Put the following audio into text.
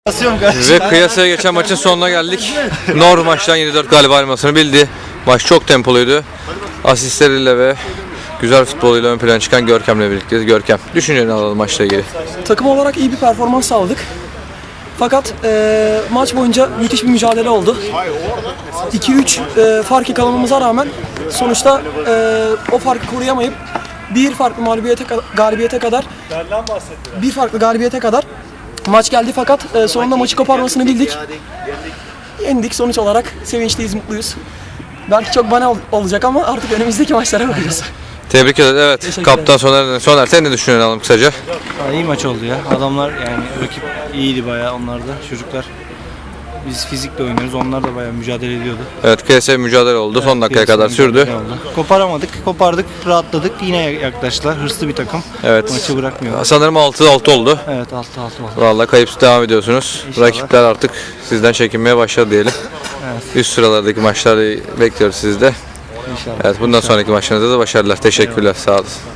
Ve kıyasaya geçen maçın sonuna geldik. Nor maçtan 7-4 galip ayrılmasını bildi. Maç çok tempoluydu. Asistleriyle ve güzel futboluyla ön plana çıkan Görkem'le birlikteyiz. Görkem, düşünceni alalım maçla ilgili. Takım olarak iyi bir performans sağladık. Fakat maç boyunca müthiş bir mücadele oldu. 2-3 fark yakalamamıza rağmen sonuçta o farkı koruyamayıp bir farklı galibiyete kadar maç geldi, fakat sonunda maçı koparmasını bildik. Yendik sonuç olarak. Sevinçliyiz, mutluyuz. Belki çok bana olacak ama artık önümüzdeki maçlara bakacağız. Tebrik ederiz. Evet, kaptan Soner, sen ne düşünüyorsun alalım kısaca? İyi maç oldu ya. Adamlar yani rakip iyiydi bayağı, onlar da çocuklar. Biz fizikle oynuyoruz. Onlar da bayağı mücadele ediyordu. Evet, kıyasaya mücadele oldu. Son dakikaya kadar sürdü. Koparamadık, kopardık, rahatladık. Yine yaklaştılar. Hırslı bir takım. Evet. Maçı bırakmıyorlar. Sanırım 6-6 oldu. Evet, 6-6 oldu. Vallahi kayıpsız devam ediyorsunuz. İnşallah. Rakipler artık sizden çekinmeye başladı diyelim. Evet. Üst sıralardaki maçları bekliyoruz sizde. İnşallah. Evet, bundan sonraki maçlarınızda da başarılar. Teşekkürler. Sağ olun.